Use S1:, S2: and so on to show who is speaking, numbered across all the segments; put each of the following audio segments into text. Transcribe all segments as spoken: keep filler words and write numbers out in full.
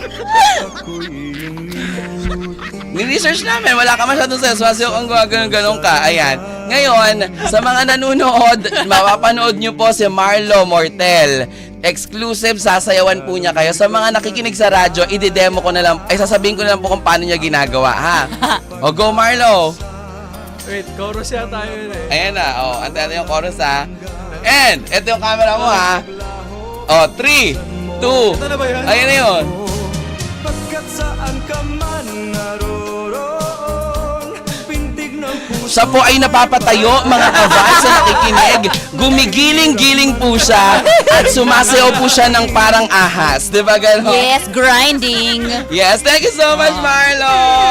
S1: Ni-research namin, wala ka masyadong seswasyo kung gano'n-gano'n ka. Ayan. Ngayon, sa mga nanonood, mapapanood nyo po si Marlo Mortel. Exclusive, sasayawan po niya kayo. Sa mga nakikinig sa radyo, i-demo ko na lang, ay sasabihin ko na lang po kung paano niya ginagawa, ha? O, go Marlo!
S2: Wait, chorus yan tayo yun eh.
S1: Ayan na, o, antay natin yung chorus, ha? And, ito yung camera mo, ha? O, three, two,
S2: Ito na ba yun?
S1: ayan na yun.
S3: Pagkat saan ka man naroon, pintig ng puso.
S1: Siya po ay napapatayo, mga ka-vibes sa nakikinig. Gumigiling-giling po siya at sumasayaw po siya ng parang ahas. Di ba gano'n?
S4: Yes, grinding.
S1: Yes, thank you so much, Marlo!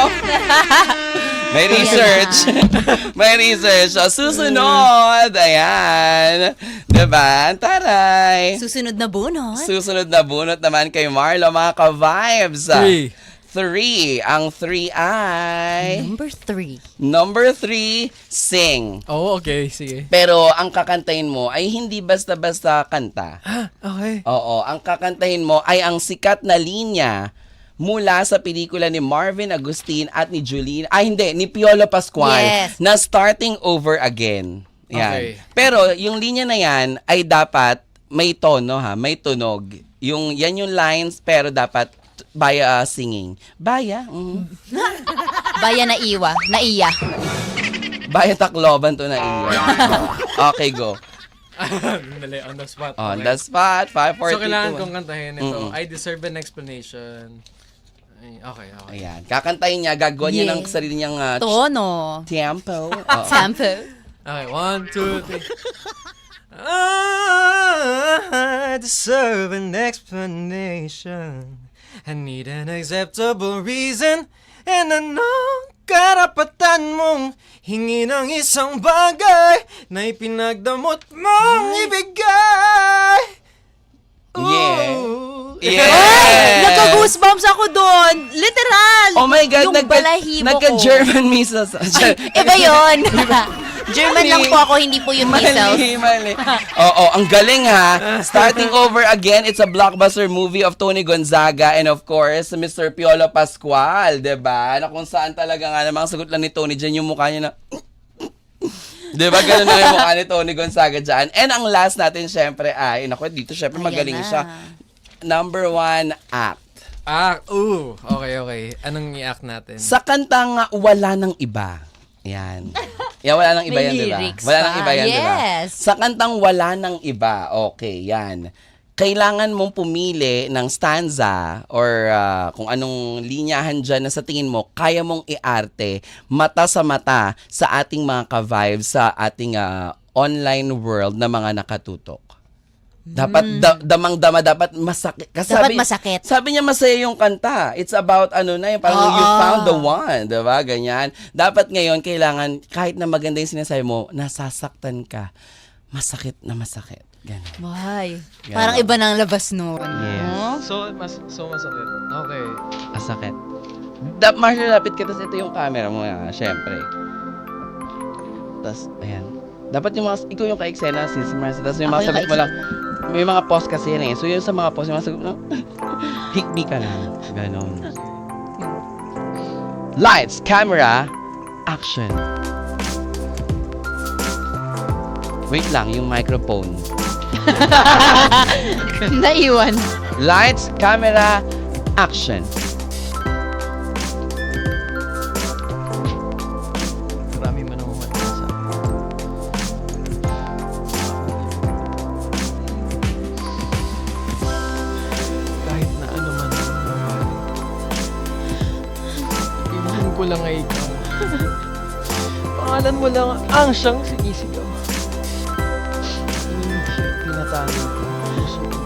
S1: May research. May research. So, susunod. Ayan. Diba? Taray.
S4: Susunod na bunot.
S1: Susunod na bunot naman kay Marlo, mga ka-vibes.
S2: Three.
S1: Three. Ang three ay...
S4: Number three.
S1: Number three, sing.
S2: Oh, okay. Sige.
S1: Pero ang kakantahin mo ay hindi basta-basta kanta.
S2: Ah, okay.
S1: Oo, ang kakantahin mo ay ang sikat na linya mula sa pelikula ni Marvin Agustin at ni Julene, ay hindi, ni Piolo Pascual,
S4: Yes.
S1: na Starting Over Again. Yan.
S2: Okay.
S1: Pero yung linya na yan ay dapat may tono ha, may tunog. Yung, yan yung lines pero dapat baya uh, singing. Baya? Mm.
S4: Baya na iwa. Na iya.
S1: Baya Tacloban to na iyo. Okay, go.
S2: Dali, on the spot.
S1: On
S2: Okay.
S1: the spot, five, four,
S2: So,
S1: three,
S2: kailangan
S1: two,
S2: kong kantahin ito.
S1: Mm-mm.
S2: I deserve an explanation. Ay, okay, okay.
S1: Ayan. Kakantahin niya, gagawa niya
S4: Yeah.
S1: ng sarili niyang uh,
S4: Tono.
S1: tempo. Oo.
S4: Tempo.
S2: Okay, one, two, three. I deserve an explanation. I need an acceptable reason. And anong karapatan mong hingi ng isang bagay na ipinagdamot mong ibigay?
S1: Yeah.
S2: Ooh.
S1: Yeah.
S4: Ay! Nagka-goosebumps ako doon. Literal.
S1: Oh my God,
S4: Yung
S1: nagka,
S4: balahibo ko.
S1: nagka-German measles.
S4: Iba yun. German lang po ako, hindi po yung measles.
S1: Mali, mali. Oo, ang galing ha. Starting Over Again, it's a blockbuster movie of Tony Gonzaga and of course, Mister Piolo Pascual, diba? Na kung saan talaga nga namang sagot lang ni Tony dyan yung mukha niya na... Diba? Ganun na yung mukha ni Tony Gonzaga dyan. And ang last natin, syempre, ay, naku, dito syempre
S4: Ayan
S1: magaling
S4: na.
S1: siya. Number one, act.
S2: Ah, ooh. Okay, okay. Anong i-act natin?
S1: Sa kantang uh, Wala Nang Iba. Yan. Yan, wala nang iba
S4: May
S1: yan, diba?
S4: lyrics
S1: Wala
S4: pa.
S1: nang iba yan, diba?
S4: Yes.
S1: Sa kantang Wala Nang Iba, okay, yan. Kailangan mong pumili ng stanza or uh, kung anong linyahan dyan na sa tingin mo, kaya mong iarte mata sa mata sa ating mga ka-vibes sa ating uh, online world na mga nakatutok. Dapat da- damang-dama, dapat masakit. Kasi
S4: Dapat
S1: sabi,
S4: masakit.
S1: Sabi niya masaya yung kanta. It's about ano na yung parang
S4: Oo.
S1: you found the one, 'di ba? Ganyan. Dapat ngayon kailangan kahit na maganda yung sinasabi mo, nasasaktan ka. Masakit na masakit. Ganun.
S4: Why?
S1: Ganon.
S4: Parang iba nang labas nun.
S1: Yes.
S4: No?
S2: So, mas, so masakit. Okay.
S1: Masakit. Da Marshall, lapit ka, tapos ito yung camera mo, ah, syempre. Tapos, ayan. Dapat yung mga, ikaw yung ka-eksena, sis Marcy, tapos yung
S4: Ako
S1: mga
S4: yung
S1: sagot mo lang,
S4: ka-eksena.
S1: may mga pause kasi yan eh. So yun sa mga pause, yung mga sagot mo lang, hikbi ka lang. Ganon. Lights, camera, action. Wait lang, yung microphone.
S4: Naiwan.
S1: Lights, camera, action.
S2: Marami man ang umatasa. Kahit na ano man ang nangyari. Inuhan ko lang ay ikaw. Pangalan mo lang ang siyang sinisigaw. Hindi siya tinatago ko. Puso ko.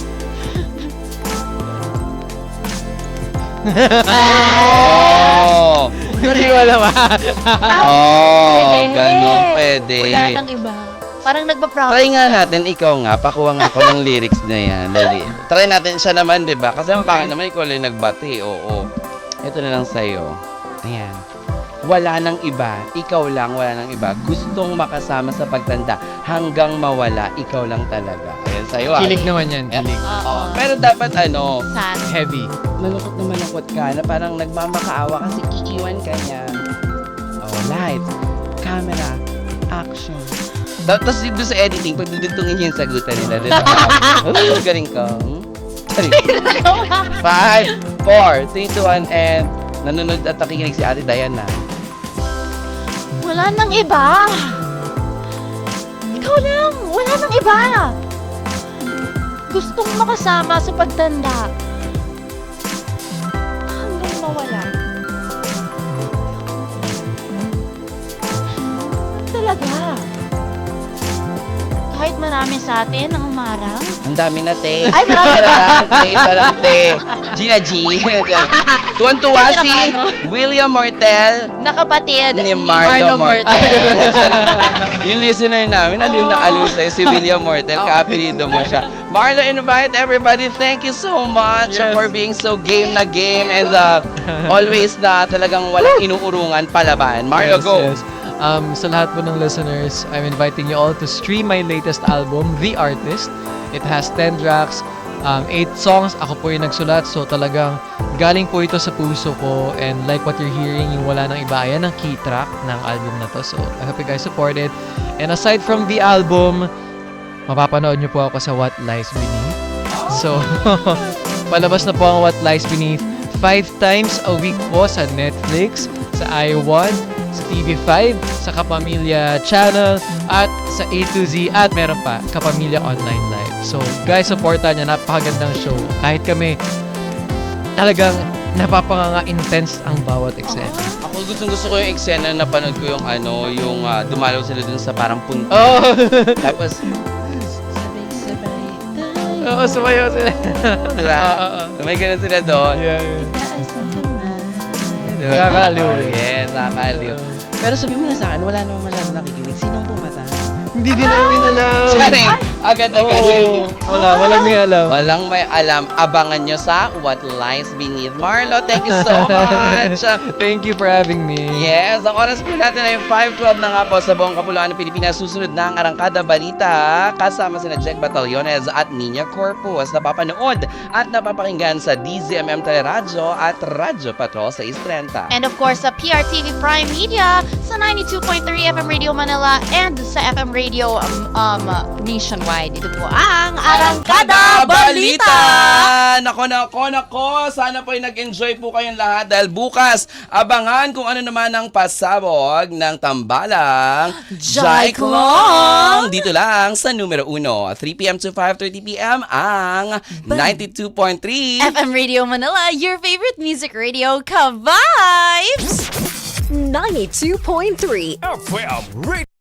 S1: Oh!
S2: Hindi wala ba?
S1: Oh, ganun pwede.
S4: Wala nang iba. Parang nagpa-proud.
S1: Try nga natin, ikaw nga, pakuha nga ako ng lyrics na yan. Dali. Try natin siya naman, di ba? Kasi ang pangit naman, ikaw lang nagbati. Oo. Ito na lang sa'yo. Ayan. Wala nang iba, ikaw lang, wala nang iba. Gustong makasama sa pagtanda, hanggang mawala, ikaw lang talaga. Ayan. sa'yo. ah.
S2: Kilig naman yan, kilig.
S1: Oo. Pero dapat ano,
S4: Sad.
S2: Heavy.
S1: malungkot na malungkot ka na parang nagmamakaawa kasi iiwan ka niya. Oh, lights, camera, action. Ta- Tapos doon sa editing, pag dudugtungin niya yung sagutan nila. Doon oh, galing ka. Hmm? Galing. Five, four, three, two, one, and nanonood at nakikinig si Ate Diana.
S4: Wala nang iba. Ikaw lang. Wala nang iba. Gustong makasama sa pagtanda. Hanggang mawala. Talaga. Kahit marami sa atin ang umarang.
S1: Ang dami na, te.
S4: Ay, marami.
S1: Parang, te, parang, te. Gina G. Tuwan-tuwa si William Mortel
S4: Nakapatid
S1: ni Marlo Mortel. Yung listener namin, aliw na aliw sa'yo si William Mortel. Kaapelido mo siya. Marlo, invite everybody. Thank you so much
S2: Yes.
S1: for being so game na game and uh, always na talagang walang inuurungan palaban. Marlo,
S2: Yes,
S1: go.
S2: yes. Um, sa lahat po ng listeners, I'm inviting you all to stream my latest album, The Artist. It has ten tracks, um, eight songs. Ako po yung nagsulat, so talagang galing po ito sa puso ko. And like what you're hearing, yung wala nang iba, ayan ang key track ng album na to. So I hope you guys support it. And aside from the album, mapapanood nyo po ako sa What Lies Beneath. So, palabas na po ang What Lies Beneath five times a week po sa Netflix, sa I one, sa T V five, sa Kapamilya Channel, at sa A to Z, at meron pa, Kapamilya Online Live. So, guys, supportan niya. Napakagandang show. Kahit kami, talagang napapanga-intense ang bawat eksena.
S1: Ako gustong gusto ko yung eksena na napanood ko yung ano, yung ah, dumalaw sila dun sa parang punto.
S2: Oh!
S1: Tapos, sabay-sabay tayo.
S2: Oo, sumayaw sila.
S1: Diba?
S2: Oo, oo.
S1: May ganun sila doon.
S2: Yeah, yeah.
S1: Diba?
S2: Nakakaliw.
S1: Yes, nakakaliw. Pero sabi mo na sa akin, wala namang masyadong nakikinig. Sinong pumatay?
S2: Hindi din namin alam.
S1: Charing! Agad-agad.
S2: Oo. Wala, walang may alam.
S1: Walang may alam. Abangan nyo sa What Lies Beneath. Marlo, thank you so much.
S2: Thank you for having me.
S1: Yes, ang oras po natin ay five twelve na nga po sa buong Kapuluan ng Pilipinas. Susunod na ang Arangkada Balita kasama sina Jack Batallones at Nina Corpus. Napapanood at napapakinggan sa D Z M M Teleradyo at Radyo Patrol sa East Trenta.
S4: And of course, sa P R T V Prime Media, sa ninety-two point three F M Radio Manila, and sa F M Radio um, um, nationwide. Ito po ang Arangkada Balita!
S1: Nako, nako, nako. Sana po ay nag-enjoy po kayong lahat dahil bukas, abangan kung ano naman ang pasabog ng tambalang
S4: Jaiklong!
S1: Dito lang sa numero uno, three p.m. to five thirty p.m. ang ninety-two point three
S4: F M Radio Manila, your favorite music radio, ka-vibes!
S5: ninety-two point three
S3: F M Radio.